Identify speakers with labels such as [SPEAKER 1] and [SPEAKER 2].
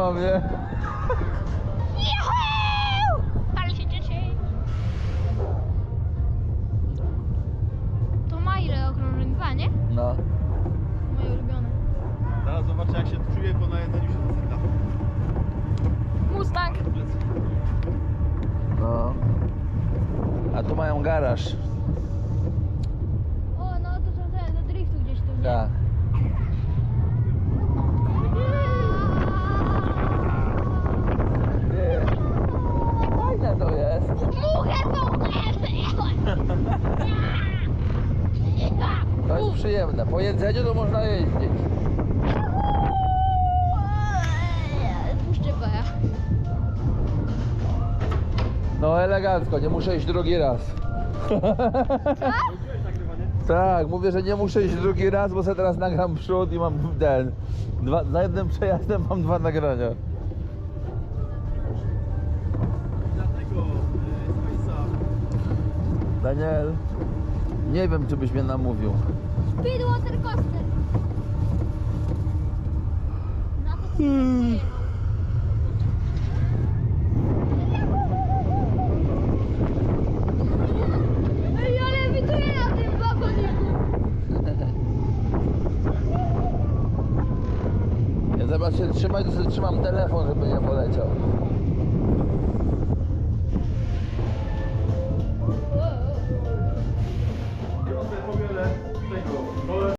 [SPEAKER 1] mam, nie?
[SPEAKER 2] Juhu! Ale się cieszę. To ma ile okrążeń? 2, nie?
[SPEAKER 1] No.
[SPEAKER 2] Moje ulubione.
[SPEAKER 3] Zaraz zobaczę jak się czuję po najedzeniu się zasyka.
[SPEAKER 2] Mustang.
[SPEAKER 1] No. A tu mają garaż.
[SPEAKER 2] O, no to są te do driftu gdzieś tu, nie?
[SPEAKER 1] Tak. Nie. Fajne to jest.
[SPEAKER 2] Muchę tą
[SPEAKER 1] To jest przyjemne. Po jedzeniu to można jeździć.
[SPEAKER 2] Puszczę baja.
[SPEAKER 1] No elegancko, nie muszę iść drugi raz.
[SPEAKER 3] Wróciłeś nagrywanie?
[SPEAKER 1] Tak, mówię, że nie muszę iść drugi raz, bo sobie teraz nagram przód i mam ten. Za jednym przejazdem mam 2 nagrania.
[SPEAKER 3] Dlatego Space'a.
[SPEAKER 1] Daniel, nie wiem, czy byś mnie namówił.
[SPEAKER 2] Speedwater coaster. Na to pojechał. Ej, ale wituję na tym wagoniku.
[SPEAKER 1] Ja zamiast się trzymać, to sobie trzymam telefon, żeby nie poleciał.